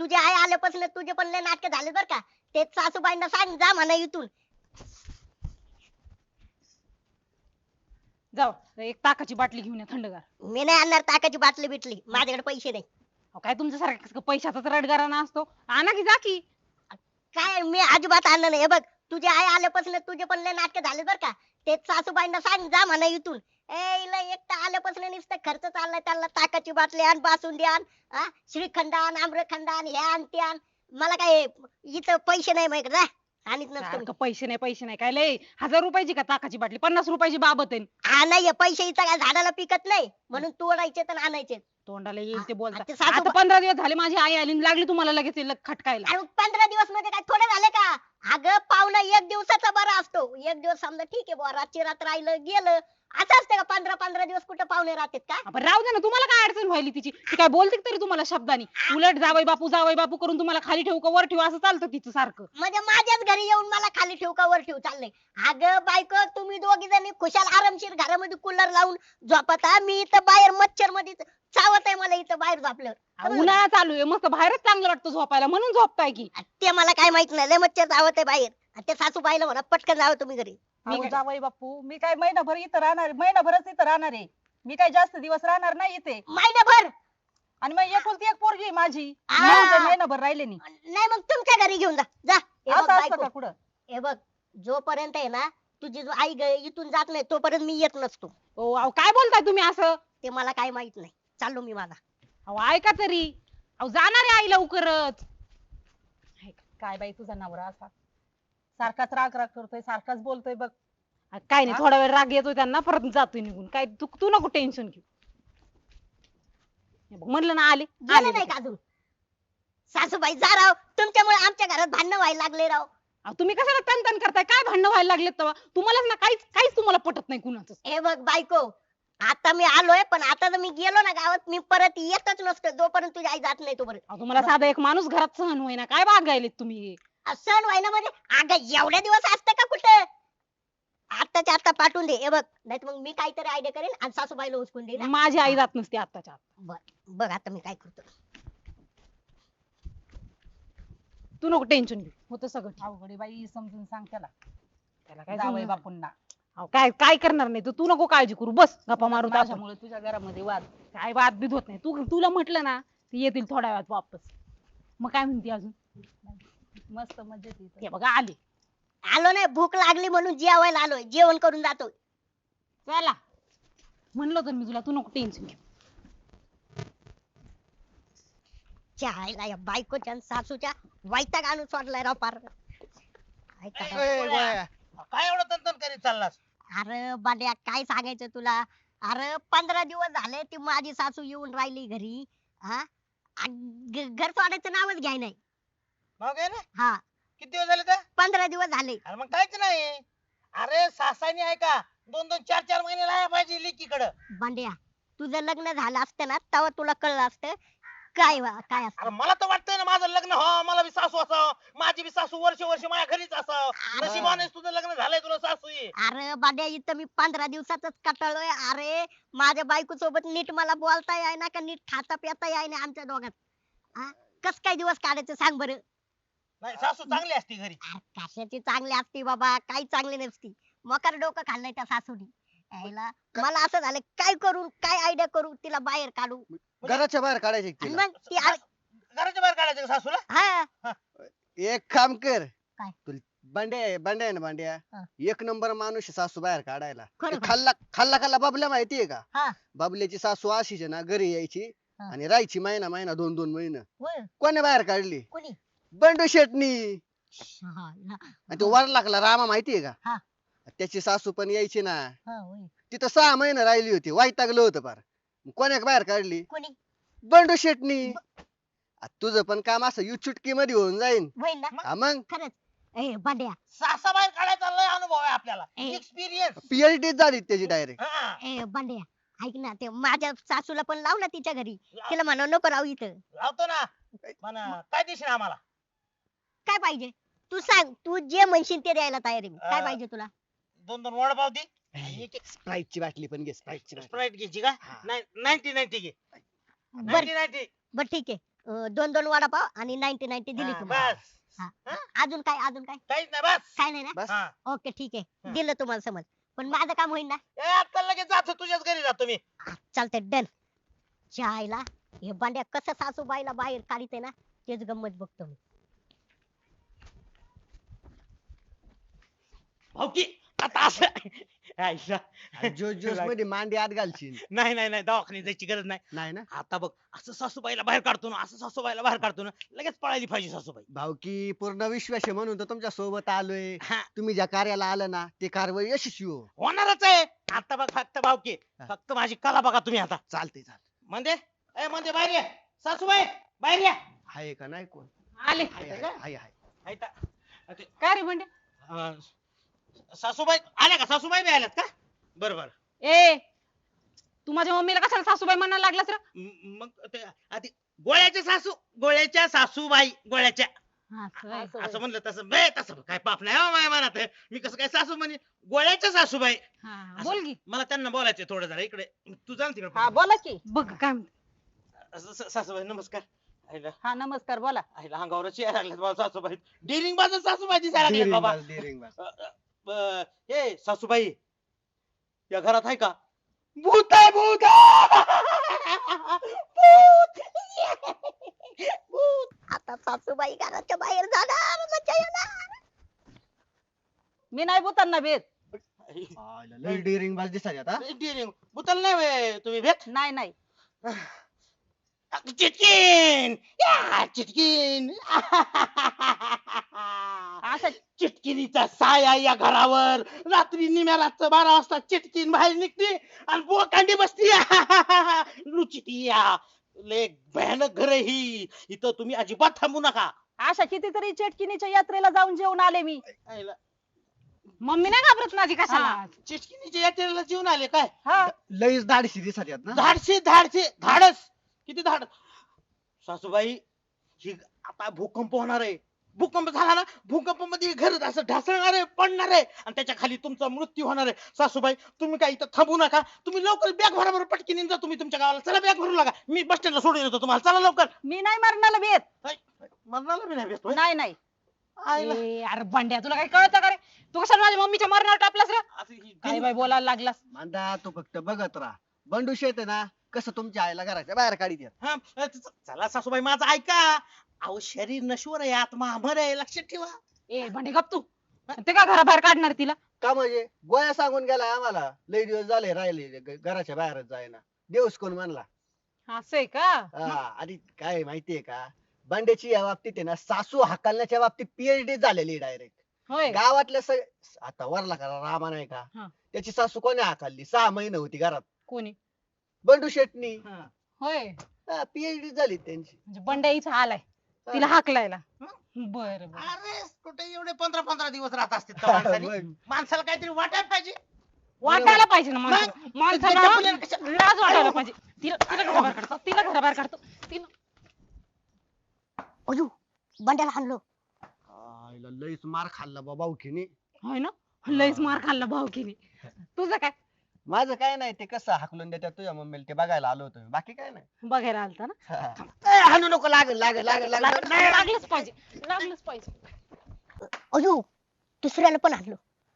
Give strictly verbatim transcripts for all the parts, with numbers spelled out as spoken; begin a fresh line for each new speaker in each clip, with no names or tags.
तुझी आई आल्यापासून तुझे पण लय नाटक झाले बर का. ते सासूबाईंना सांग जा म्हणा इथून.
जाऊ एक ताकाची बाटली घेऊन या थंडगार.
मी नाही आणणार ताकाची बाटली बिटली, माझ्याकडे पैसे नाही.
अहो, काय तुमच्यासारखं पैशाचाच रडगाराना असतो. आणा की जा की.
काय मी अजिबात आणलं नाही. हे बघ तुझी आई आल्यापासून तुझे पण लय नाटक झाले बर का. ते सासूबाईंना सांग जा म्हणा इथून. ए इला एकटा आल्यापासून नुसतं खर्च चाललाय, त्यांना ताकाची बाटली आण, बासुंदी आण, हा श्रीखंड आण, आम्रखंड आण, हे आण ते आण. मला काय इथं पैसे नाही माझ्याकडे जा. आणत नसतो मी.
सारखं पैसे नाही पैसे नाही काय लय हजार रुपयाची का ताकाची बाटली पन्नास रुपयाची बाबत आहे.
हा नाही पैसे इथं काय झाडाला पिकत नाही म्हणून तोडायचे तर आणायचे.
तोंडाला येईल ते बोलता.
ते सासू-
आता पंधरा दिवस झाले माझी आई आली आणि लागली तुम्हाला लगेच ते खटकायला.
अरे पंधरा दिवस मध्ये काय थोडे झाले का. अगं पाहुणा एक दिवसाचा बरा असतो. एक दिवस समजा ठीक आहे बुवा, रातची रात राहिलं गेलं. असं असतं का पंधरा पंधरा दिवस कुठं पाहुणे राहतात का.
आपण राहू दे ना, तुम्हाला काय अडचण व्हायली तिची. ती काय बोलते का तरी तुम्हाला शब्दानी. उलट जावई बापू जावई बापू करून तुम्हाला खाली ठेवू का वर ठेवू असं चालतं तिचं सारखं.
म्हणजे माझ्याच घरी येऊन मला खाली ठेवू का वर ठेवू चाललंय. अगं बायको तुम्ही दोघी जणी खुशाल आरामशीर घरामध्ये कूलर लावून झोपता. मी इथं बाहेर मच्छर मध्ये चावत आहे मला इथं बाहेर झोपल्यावर.
अहो, उन्हाळा चालू आहे मस्त बाहेरच चांगलं वाटतं झोपायला म्हणून झोपताय की.
ते मला काय माहित नाही. लय मच्छर चावत आहे बाहेर. आणि ते सासूबाईला म्हणा पटकन जावं तुम्ही घरी.
मी
अहो
काय-
जावई बापू मी काय महिनाभर इथं राहणार आहे, महिनाभरच इथं राहणार आहे. मी काय जास्त दिवस राहणार नाही इथे.
महिनाभर.
आणि मग एकुलती एक पोरगी आहे माझी.
आ.
म्हणून तर महिनाभर राहिले नाही.
नाही मग तुमच्या घरी घेऊन जा. जा हे बघ
असं असतं
बायको,
का कुठं.
हे बघ जोपर्यंत आहे ना तुझी जो आई ग- इथून जात नाही तोपर्यंत मी येत नसतो.
ओ अहो काय बोलताय तुम्ही असं.
ते मला काय माहित नाही. चाललो मी माझा.
अहो ऐका तरी. अहो जाणार आहे आई लवकरच.
काय बाई तुझा नवरा असा सारखाच राग राग करतोय, सारखाच बोलतोय बघ.
काय नाही
हा?
थोडा वेळ राग येतोय त्यांना परत जातोय निघून. काय तू तू नको टेन्शन घेऊ. हे बघ, म्हणलं ना आले
गेलं
आले
नाही का अजून. सासूबाई जा राव. तुमच्यामुळे आमच्या घरात भांडणं व्हायला लागले राव.
अहो, तुम्ही कशाला तन तन करताय काय भांडणं व्हायला लागलेत तेव्हा. तुम्हालाच ना काहीच काहीच तुम्हाला पटत नाही कुणाचं.
हे बघ बायको आता मी आलोय पण आता जर मी गेलो ना गावात मी परत येतच नसतो जोपर्यंत तुझी आई जात नाही तोपर्यंत.
अहो, तुम्हाला साधा एक माणूस घरात सहन होईना काय बागायलेत तुम्ही.
सण व्हायला म्हणजे अगं एवढ्या दिवस असतं का कुठं. आताच्या आता पाठवून दे. हे बघ नाही मग मी काहीतरी आयडिया करेन आणि सासूबाईला उचकून देईन.
माझी आई जात नसते आत्ताच्या आत.
बर बघ आता मी काय करतो.
तू नको टेन्शन घेऊ होतं सगळं ठीक.
अवघड आहे बाई समजून सांग त्याला.
त्याला काय
जावई
समजणार?
बापूंना
अहो, काय काय करणार नाही तर तू नको काळजी करू बस गप्पा मारू आपण.
माझ्यामुळे तुझ्या घरामध्ये वाद.
काय वाद बीत होत नाही. तू तुला म्हटलं ना ते येतील थोड्या वेळात वापस. मग काय म्हणते अजून.
मस्त मजेत इथं.
हे बघा आले.
आलो नाही भूक लागली म्हणून जेवायला आलोय. जेवण करून जातो.
चला म्हणलं तर मी तुला तू नको टेन्शन घेऊ.
चहायला या बायकोच्या आणि सासूच्या वैताग आणून सोडलाय राव पार. काय
ए,
करावं?
ए, गोळ्या. काय एवढं तंतन करीत चाललास.
अरे बांड्या काय सांगायचं तुला. अरे पंधरा दिवस झाले ती माझी सासू येऊन राहिली घरी. हा आणि ग- घर सोडायचं नावच घ्याय नाही.
मग आहे ना
हा
किती दिवस झाले तर
पंधरा दिवस झाले.
अरे मग काहीच नाही. अरे सासानी आहे का दोन दोन चार चार महिने राहायला पाहिजे लेकीकडं.
बांड्या तुझं लग्न झालं असतं ना तेव्हा तुला कळलं असतं काय वा- काय असतं.
अरे मला तर वाटतंय ना माझं लग्न हो मला बी सासू असावं. माझी बी सासू वर्ष वर्ष माझ्या घरीच असावं.
अरे.
नशिबाने तुझं लग्न झालंय तुला सासू आहे.
अरे बांड्या इथं मी पंधरा दिवसातच कटाळलोय. अरे माझ्या बायको सोबत नीट मला बोलता याय ना का नीट खाता पिता याय ना आमच्या दोघात. हा कस काय दिवस काढायचं सांग बरं.
नाही सासू चांगली असती घरी.
अरे कशाची चांगली असती बाबा काही चांगली नसती. मकर डोकं खाल्लंय त्या सासूनी. यायला मला असं झालं काय करू काय आयडिया करू तिला बाहेर काढू.
घराच्या बाहेर काढायचे
आणि
तिला.
मग ती आ-
घराच्या बाहेर काढायचं का सासूला.
हा
एक काम कर.
काय?
तुला बांड्या बांड्या आहे ना बांड्या
हा.
एक नंबर माणूस आहे सासू बाहेर काढायला.
खरं
ते
का?
खाल्ला खाल्ला खाल्ला बाबल्या माहितीये का.
हा.
बाबल्याची सासू अशीच आहे ना घरी यायची
हा.
आणि राहायची महिना महिना दोन दोन महिना.
होय
कोणी बाहेर काढली
कोणी
बंडू शेटनी.
हा, हा,
आणि तो वरलाकला रामा माहितीये
हा.
का. त्याची सासू पण यायची ना
हा, होय.
तिथं सहा महिने राहिली होती वैतागलं होतं फार. कोण्या बाहेर काढली
कोणी
बंडू शेटनी. आ, तुझं पण काम असं यू चुटकी मध्ये होऊन जाईन.
होईल ना
हा मग
खरंच. ए बांड्या
सासा बाहेर काढायचा लय अनुभव आहे आपल्याला.
ए.
एक्सपिरियन्स.
पीएचडी झाली त्याची डायरेक्ट.
ए बांड्या ऐक ना ते माझ्या सासूला पण लाव ना तिच्या घरी. तिला म्हणा नको राहू इथं.
लावतो ना. म्हणा काय देशील आम्हाला.
काय पाहिजे तू सांग. तू जे म्हणशील ते द्यायला तयार आहे मी. काय
अं,
पाहिजे तुला.
दोन दोन वडापाव दे. एक एक
स्प्राईटची बाटली पण घे स्प्राईटची बाटली.
स्प्राईट घ्यायची का.
हा.
नाईन्टी नाईन्टी घे.
बर
नाईन्टी नाईन्टी.
बर ठीक आहे अं, दोन दोन वडापाव आणि नाईन्टी नाईन्टी दिली
हा,
तुम्हाला.
बस
हा.
हा?
अजून काय अजून काय
काहीच नाही बस
काय नाही ना
बस
हा.
ओके ठीक आहे
हा.
दिलं तुम्हाला समज पण माझं काम होईल ना
ए, आता लगेच जातो तुझ्याच घरी जातो मी
चालतंय डन आईला हे बांड्या कसं सासूबाईला बाहेर काढते ना तेच गंमत बघतो मी
हो की आता असं आयशा.
जोश जोश मध्ये मांडी आत घालशील.
नाही नाही नाही दवाखान्यात जायची गरज नाही
नाही ना
आता बघ असं सासूबाईला बाहेर काढतो ना असं सासूबाईला बाहेर काढतो ना लगेच पळायली पाहिजे सासूबाई
भाऊकी पूर्ण विश्वास आहे म्हणून तर तुमच्या सोबत आलोय.
हा,
तुम्ही ज्या कार्याला आलं ना ते कारवाई यशस्वी हो.
होणारच आहे आता बघ फक्त भावकी
हा.
फक्त माझी कला बघा तुम्ही आता
चालते चालते.
म्हणजे ए म्हणजे बाहेर या सासूबाई बाहेर या
आहे का नाही कोण
आले
आहे आहे आहे आहे.
ऐका, ते,
काय रे बंड्या
अं, सासूबाई आल्या का सासूबाई बी आल्यात का बरोबर
ए तू माझ्या मम्मीला कशाला सासूबाई म्हणायला लागलास रे
मग ते आधी गोळ्याच्या सासू गोळ्याच्या सासूबाई गोळ्याच्या
असं आहे.
असं म्हणलं तसं बे तसं काय पाप नाही हो माझ्या मनात मी कसं काय सासू म्हणे गोळ्याच्या सासूबाई
हा,
असं-
बोल की
मला त्यांना बोलायचं थोडं जरा इकडे तू जाण
हा
तिकडे
बोला की
बघ काय म्हणते.
स- स- सासूबाई नमस्कार आईला
हा नमस्कार बोला
आईला अंगावरच यायला लागल्यात मला सासूबाई डिरिंग बाजू सासूबाई दिसायला लागल्यात
डेअरिंग
बाबा
बाज, डेअरिंग बाज.
अ, अ, ब- हे सासूबाई या घरात आहे का भूत आहे भूत भूत भूत
आता सासूबाई घराच्या बाहेर जाणार मजा येणार
मी नाही भूतांना भेट
आयला, लय डेअरिंग बाज दिसायची आता.
डिरिंग भूताला नाही व्हय तुम्ही भेट
नाही नाही
चिटकीन या चिटकीन
असं
चिटकिनीचा साया या घरावर रात्री निम्या रातचं बारा वाजता चिटकीन बाहेर निघते आणि बोकांडी बसती लुचिती या लय भयानक घर आहे ही इथं तुम्ही अजिबात थांबू नका
अशा कितीतरी चेटकिनीच्या यात्रेला जाऊन जेवून आले मी
आईला,
मम्मी नाही घाबरत माझी कशाला
हा.
चिटकिनीच्या यात्रेला जीवन आले काय
हा
लईच दाडशी दिसायच्यात ना.
धाडसे धाडसे धाडस किती धाड सासूबाई ही आता भूकंप होणार आहे भूकंप झाला ना भूकंप मध्ये घर असं ढासळणार आहे पडणार आहे आणि त्याच्या खाली तुमचा मृत्यू होणार आहे सासूबाई तुम्ही काय इथं थांबू नका तुम्ही लवकर बॅग भरा बरं पटकीने जा तुम्ही तुमच्या गावाला चला बॅग भरू लागा मी बस स्टँडला सोडून येतो तुम्हाला चला लवकर
मी नाही मरणाला भेट
मरणाला मी नाही भेटतो
नाही नाही
आईला.
ए, अरे बंड्या तुला काय कळतं का रे तू कशाला माझ्या मम्मीच्या मरणावर टापलास रे
असं ही
काय
दिन-
बाई बोलायला लागलास
मांदा तू फक्त बघत राहा. बंडू शेत आहे ना कसं तुमच्या आईला घराच्या बाहेर काढीत येत.
हा, अ, च- चला सासूबाई माझं ऐका अहो शरीर नश्वर आहे आत्मा अमर आहे लक्षात ठेवा
ए बंडे गप तू ते का घराबाहेर काढणार तिला
का म्हणजे गोळ्या सांगून गेलाय आम्हाला लई दिवस झाले राहिले ग- घराच्या बाहेरच जायना. देऊस कोण म्हणला.
असं आहे का
हा, आणि काय आहे माहितीये का बंड्याची या बाबतीत आहे ना सासू हाकलण्याच्या बाबतीत पीएचडी झालेली डायरेक्ट.
होय
गावातल्या सग- आता वरला का रामा नाही का
हा.
त्याची सासू कोणी हाकलली सहा महिने होती घरात.
कोणी
बंडू शेटनी
होय
पीएचडी झाली त्यांची.
म्हणजे बंड्या इथं आलाय तिला हाकलायला बर बर
अरे कुठे एवढे पंधरा पंधरा दिवस राहत असतील त्या माणसाने
मग.
माणसाला काहीतरी वाटायला पाहिजे
वाटायला पाहिजे ना माणसाला.
मग?
माणसाला
त्याच्या मुलीला कशा-
लाज वाटायला पाहिजे तिला तिला घराबाहेर काढतो तिला घराबाहेर काढतो तिला
अयो बंड्याला हाणलो
आईला लईच मार खाल्ला बाबा उखीने.
होय ना लयच मार खाल्ला भाऊकीने तुझं काय
माझं काय नाही ते कसं हाकलून देतात तुझ्या मम्मीला ते बघायला आलो होतो मी. बाकी काय नाही.
बघायला आलता ना
हा. ए, हाणू नको लागल लागल लागल लागल
नाही, लागलंच पाहिजे लागलंच पाहिजे
अयो दुसऱ्याला पण हाणलो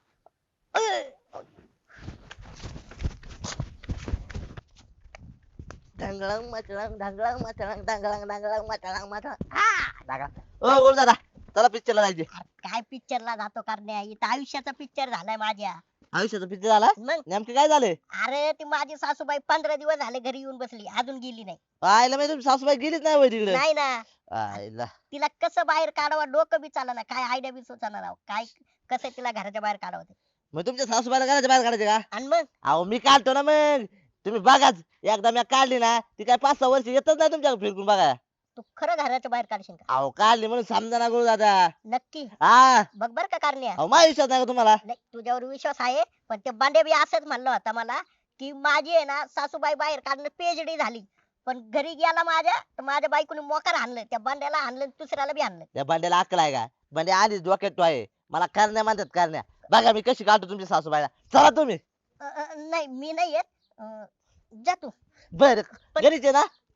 ढंगळंग मचळंग ढंगळंग मचळंग ढंगळंग ढंगळंग मचळंग मचळंग हा
दादा ओ बोल दादा चला पिक्चरला जायचे
काय पिक्चरला जातो करण्या इथं आयुष्याचा पिक्चर झालाय माझ्या
आयुष्याचा पिक्चर झाला
मग
नेमके काय झाले
अरे ती माझी सासूबाई पंधरा दिवस झाले घरी येऊन बसली अजून गेली नाही
आईला माहिती तुमची सासूबाई गेलीच नाही होय तिकडे
नाही ना
आईला
तिला कसं बाहेर काढावं डोकं बी चालना काय आयडिया बी सुचना राव काय कसं तिला घराच्या बाहेर काढावं ते.
मग तुमच्या सासूबाईला घराच्या बाहेर काढायचे का
आणि मग
अहो मी काढतो ना मग तुम्ही बघाच एकदा मी काढली ना ती काय पाच सहा वर्ष येतच नाही तुमच्या फिरकून बघा
तू खरं घराच्या बाहेर काढशील का
अहो काढली म्हणून समजा ना गुरु दादा
नक्की
हा
बघ बर का करण्या
अहो माझ्या विश्वास नाही का तुम्हाला
नाही तुझ्यावर विश्वास आहे पण ते बांडे बी असंच म्हणलं होता मला की माझी आहे ना सासूबाई बाहेर काढणं पीएचडी झाली पण घरी गेला माझ्या तर माझ्या बायकोने मोकार आणलं त्या बांड्याला आणलं आणि दुसऱ्याला बी आणलं
त्या भांड्याला अक्कल आहे का भांडे आधीच डोक्यात तो आहे मला करण्या म्हणतात करण्या बघा मी कशी काढतो तुमच्या सासूबाईला चला तुम्ही
अ, अ, नाही मी नाही येत अ, जा तू
बर घरीच आहे ना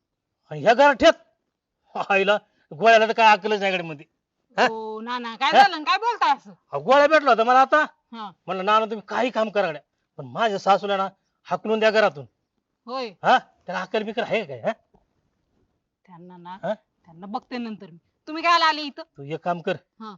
आणि ह्या घरात ठेत आईला गोळ्याला तर काय अकलच नाही मध्ये. हा?
हो नाना काय झालं आणि काय बोलताय असं
अहो, गोळ्या भेटला होता मला आता.
हा
म्हणलं नाना तुम्ही काही काम करा गड्या. पण माझ्या सासूला ना हाकलून द्या घरातून.
होय
हा त्याला अक्कल बिकल आहे काय? हा
त्यांना ना
हा?
त्यांना बघते नंतर मी. तुम्ही काय आले इथं
तू एक काम कर.
हा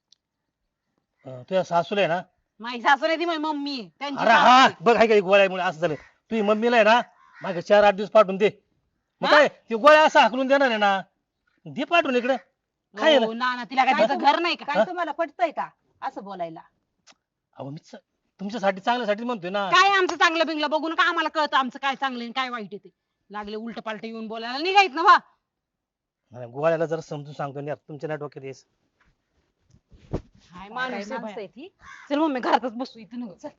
अं, तुझ्या सासूला आहे ना.
माझी सासू नाही ती माझी मम्मी आहे. त्यांची
अरे
सासू
हा
आहे.
बघ आहे का गोळ्यामुळे असं झालं. तुझी मम्मीला आहे ना मागे चार आठ दिवस पाठवून दे. मग
हा?
काय ते गोळ्या असं हाकलून देणार आहे ना. दे पाठवून इकडे. काय
हो नाना तिला काय
काय
तिचं घर नाही का
काय तुम्हाला पटतंय का असं बोलायला?
अहो मी च- तुमच्यासाठी चांगल्यासाठी म्हणतोय ना.
काय आमचं चांगलं बिंगलं बघून का आम्हाला कळतं आमचं काय चांगलं आणि काय वाईट आहे ते. लागले उलट पालट येऊन बोलायला निघायत ना वा
नाही, गोळ्याला जरा समजून सांगतो ना तुमच्या नेटवर्क येस.
काय माणूस
काय
आहे
माणसं
बाया.
आहे ती?
चल मम्मी घरातच बसू इथं नव्ह चल.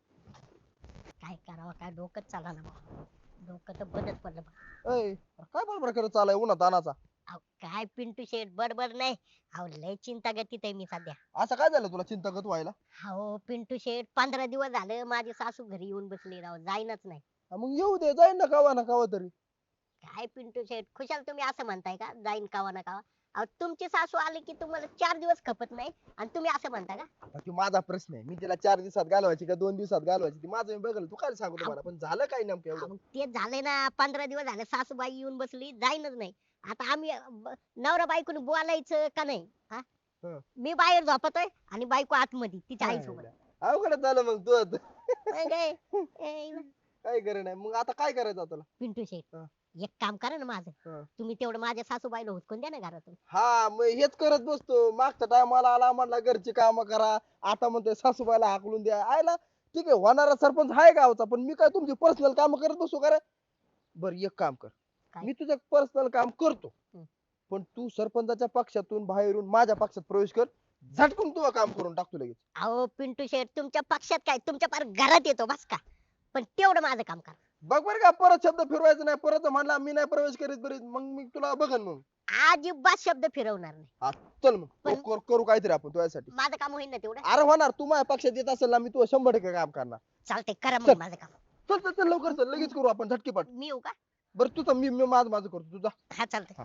काय करावं काय डोकंच चाला ना बा. डोकं तर बंदच पडलं बा.
अय काय बडबड करत चालाय उन्हात तानाचा?
अहो, काय पिंटू शेठ बडबड नाही. अहो लय चिंता गतीत आहे मी सध्या.
असं काय झालं तुला चिंतागत व्हायला?
हो पिंटू शेठ पंधरा दिवस झालं माझी सासू घरी येऊन बसली राव जाईनच नाही.
हा, मग येऊ दे जाईन ना कावा ना कावा तरी.
काय पिंटू शेठ खुशाल तुम्ही असं म्हणताय का जाईन कावा ना कावा. अहो तुमची सासू आली की तुम्हाला चार दिवस खपत नाही आणि तुम्ही असं म्हणता का?
हा, तो माझा प्रश्न आहे. मी तिला चार दिवसात घालवायची का दोन दिवसात घालवायची ती माझं मी बघल. तू काय सांगू तुम्हाला पण झालं काय नेमकं
अहो,
एवढं?
मग तेच झालंय ना पंधरा दिवस झाले सासूबाई येऊन बसली जाईनच नाही. आता आम्ही अ, ब- नवरा बायकोनी बोलायचं का नाही हा?
हं.
मी बाहेर झोपतोय आणि बायको आतमध्ये तिच्या आईसोबत.
अवघड झालं मग तू आता.
मग काय? ए,
काय करे नाही मग आता काय करायचं तुला?
पिंटू शेठ
हं.
एक काम करा ना माझं.
हं.
तुम्ही तेवढं माझ्या सासूबाईला हुसकून द्या ना घरातून.
हा मग हेच करत बसतो. मागच्या टायमाला आला म्हणला घरची कामं करा. आता म्हणतोय सासूबाईला हाकलून द्या. आयला ठीक आहे होणारा सरपंच आहे गावचा पण मी काय तुमची पर्सनल काम करत बसू का रे? बर एक काम कर.
काय?
मी तुझं पर्सनल काम करतो.
हं.
पण तू सरपंचाच्या पक्षातून बाहेरून माझ्या पक्षात प्रवेश कर. झटकून तुझं काम करून टाकतो लगेच.
अहो पिंटू शेठ तुमच्या पक्षात काय तुमच्या पार घरात येतो बस का. पण तेवढं माझं काम करा.
बघ बरं का परत शब्द फिरवायचा नाही. परत म्हणला मी नाही प्रवेश करीत बरीत मग मी तुला बघन मग.
अजिबात शब्द फिरवणार नाही.
चल मग
पण-
करू करू काहीतरी आपण तुझ्यासाठी.
माझं काम होईल ना तेवढं.
अरे होणार तू माझ्या पक्षात येत असेल ना मी तुझं शंभर टक्के काम करणार.
चालतंय करा
चल.
मग माझं काम.
चल चल चल लवकर चल लगेच करू आपण झटकीपाट.
मी येऊ का?
बरं तुझं मी मी माझं माझं करतो तुझा.
हा चालतंय.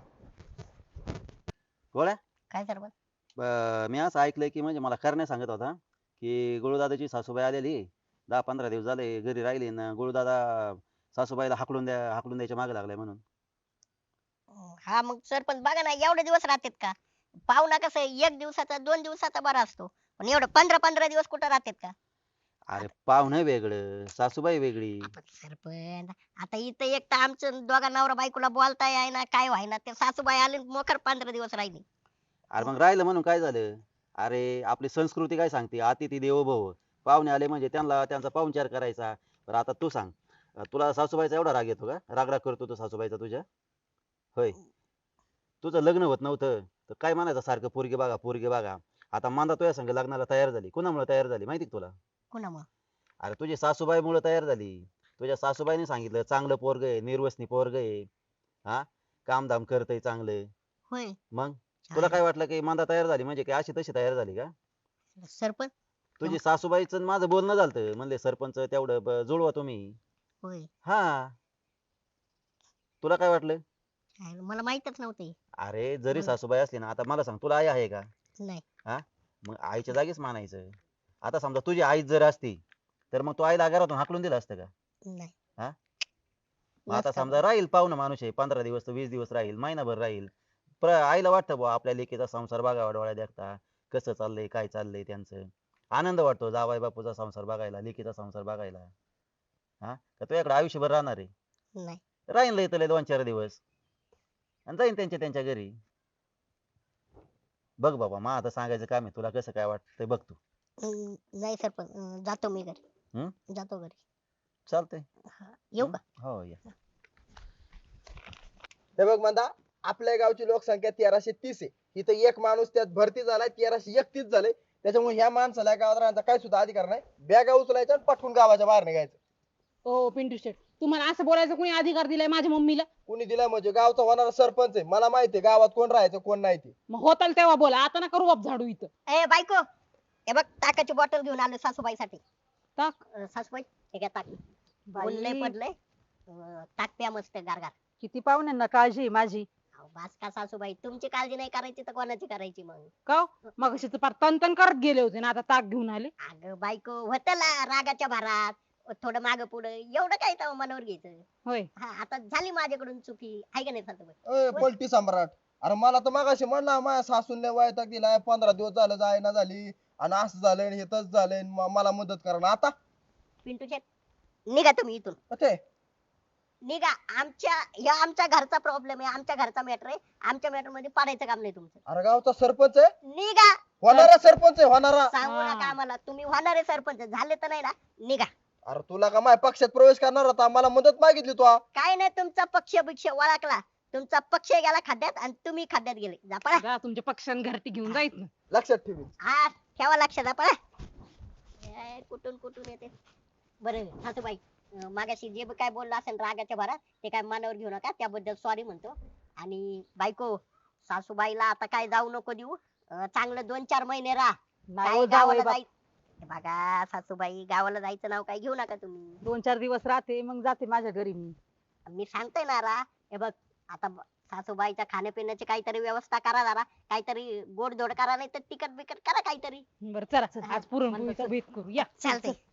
गोळ्या
काय सरपंच?
ब- मी असं ऐकलंय की म्हणजे मला करण्या सांगत होता की गुळूदादाची सासूबाई आलेली दहा पंधरा दिवस झाले घरी राहिली ना गुळूदादा सासूबाईला हाकलून द्या हाकलून द्यायच्या मागे लागलाय म्हणून.
हा मग सरपंच बघा ना एवढे दिवस राहतात का? पाहुणा कसं आहे, एक दिवसाचा दोन दिवसाचा बरा असतो पण एवढं पंधरा पंधरा दिवस कुठं राहतात का?
अरे पाहुणं वेगळं सासूबाई वेगळी.
आपण सरपंच आता इथं एक तर आमचं दोघा नवरा बायकोला बोलता येईना काय व्हायना ते सासूबाई आले मोकर पंधरा दिवस राहिली.
अरे मग राहिलं म्हणून काय झालं? अरे आपली संस्कृती काय सांगते, अतिथी देवो भव. पाहुणे आले म्हणजे त्यांना त्यांचा पाहुणचार करायचा. बरं आता तू सांग, अं, तुला सासूबाईचा एवढा राग येतो का? राग राग करतो तो सासूबाईचा तुझ्या? होय. तुझं लग्न होत नव्हतं तर काय म्हणायचं सारखं पोरगी बघा पोरगी बघा. आता मांदा तुझ्या संग लग्नाला तयार झाली, कुणामुळे तयार झाली माहिती का तुला?
कुणामुळं?
अरे तुझी सासूबाईमुळे तयार झाली. तुझ्या सासूबाईने सांगितलं चांगलं पोरग आहे, निर्वसनी पोरग आहे, हा, कामधाम करतय चांगलं.
होय.
मग तुला काय वाटलं की मांदा तयार झाली म्हणजे काय अशी तशी तयार झाली का?
सरपंच.
तुझी सासूबाईचं आणि माझं बोलणं झालं, म्हणले सरपंच तेवढं ब- जुळवा तुम्ही.
होय.
हा, तुला काय वाटलं?
काय मला माहितच नव्हतं हे.
अरे जरी
बोल.
सासूबाई असली ना, आता मला सांग तुला आई आहे का?
नाही.
हा, मग आईच्या जागीच मानायचं. आता समजा तुझी आई जर असती तर मग तू आईला घरातून हाकलून दिलं असतं का?
नाही.
हा? मग आता
नसतं.
समजा राहील पाहुणा माणूस आहे, पंधरा दिवस वीस दिवस राहील, महिनाभर राहील, प्र- आईला वाटतं बुवा आपल्या लेकीचा संसार बघावा डोळ्या देखता, कसं चाललंय काय चाललंय त्यांचं. आनंद वाटतो जावाई बापूचा संसार बघायला, लेकीचा संसार बघायला. हा, का तुझ्याकडे आयुष्यभर राहणार आहे?
नाही.
राहील लय तर दोन चार दिवस आणि जाईन त्यांच्या त्यांच्या घरी. बघ बाबा, मा आता सांगायचं काम आहे, तुला कसं काय वाटतंय बघ तू.
अं, नाही सरपंच, अं, जातो मी घरी.
हम्म?
जातो घरी.
चालतंय.
हा, येऊ का?
हो या.
हे बघ म्हणता, आपल्या गावची लोकसंख्या तेराशे तीस आहे. इथं एक माणूस त्यात भरती झालाय तेराशे एकतीस झाले. त्याच्यामुळे ह्या माणसाला गावात राहण्याचा काही सुद्धा अधिकार नाही. बॅगा उचलायच्या आणि पाठवून गावाच्या बाहेर निघायचं.
ओ पिंटू शेट, तुम्हाला असं बोलायचं कोणी अधिकार दिलाय माझ्या मम्मीला?
कुणी दिलाय म्हणजे गावचा होणारा सरपंच आहे. मला माहिती आहे गावात कोण राहायचं कोण नाही ते.
मग होताल तेव्हा बोला, आता नका रुबाब झाडू इथं.
ए बायको, हे बघ ताकाची बॉटल घेऊन आलो सासूबाईसाठी.
ताक?
अं, सासूबाई हे घ्या ताक.
बाई.
ऊन लय पडलंय. अं, ताक प्या मस्त गारगार.
किती पाहुण्यांना काळजी आहे माझी.
अहो, बास का सासूबाई, तुमची काळजी नाही करायची तर कोणाची करायची मग?
का मग पार तन तन करत गेले होते ना, आता ताक घेऊन आले.
अगं बायको, होतं ला रागाच्या भरात थोडं माग पुढं, एवढं काय तेव्हा मनावर घ्यायचं.
होय.
हा, आता झाली माझ्याकडून चुकी आहे का नाही सासूबाई?
ए पलटी सम्राट, अरे मला तर मागाशी म्हणला माझ्या सासून वैताग दिलाय, पंधरा दिवस झालं जायना झाली आणि असं झालंय आणि हे तसं झालंय आणि म- मला मदत करा ना आता.
पिंटू शेट, निघा तुम्ही इथून.
ते
निघा. आमच्या या आमच्या घरचा प्रॉब्लेम आहे, आमच्या घरचा मॅटर आहे. आमच्या मॅटर मध्ये पाडायचं काम नाही तुमचं.
अरे गावचा सरपंच आहे,
निघा.
होणारा सरपंच आहे होणारा.
सांगू
हा.
नका आम्हाला, तुम्ही होणारे सरपंच झाले तर नाही ना. निघा.
अरे तुला का माझ्या पक्षात प्रवेश करणार होता, मला मदत मागितली तू.
काय नाही, तुमचा पक्ष बिक्ष वळखला. तुमचा पक्ष गेला खड्ड्यात आणि तुम्ही खड्ड्यात गेले. जा पळा.
जा तुमच्या पक्षान घरटी घेऊन जायच ना.
लक्षात ठेवी.
हा, ठेवा लक्षात. जा पळा. ए, कुठून कुठून येते. बरं सासूबाई, अं, मागाशी जे काय बोललं असेल रागाच्या भरात ते काय मनावर घेऊ नका, त्याबद्दल सॉरी म्हणतो. आणि बायको, सासूबाईला आता काय जाऊ नको देऊ. अं, चांगलं दोन चार महिने राहा.
नाही
काय
हो,
गावाला
जावई बाप.
जाय हे बघा सासूबाई, गावाला जायचं नाव काय घेऊ नका तुम्ही.
दोन चार दिवस राहते मग जाते माझ्या घरी मी.
मी सांगतोय ना रा, हे बघ आता ब- सासूबाईच्या खाण्यापिण्याची काहीतरी व्यवस्था करा जरा, काहीतरी गोड धोड करा, नाही तर तिखट बिकट करा काहीतरी.
बरं चला आज पुरणपोळीचा बेत करू या.
चालतंय.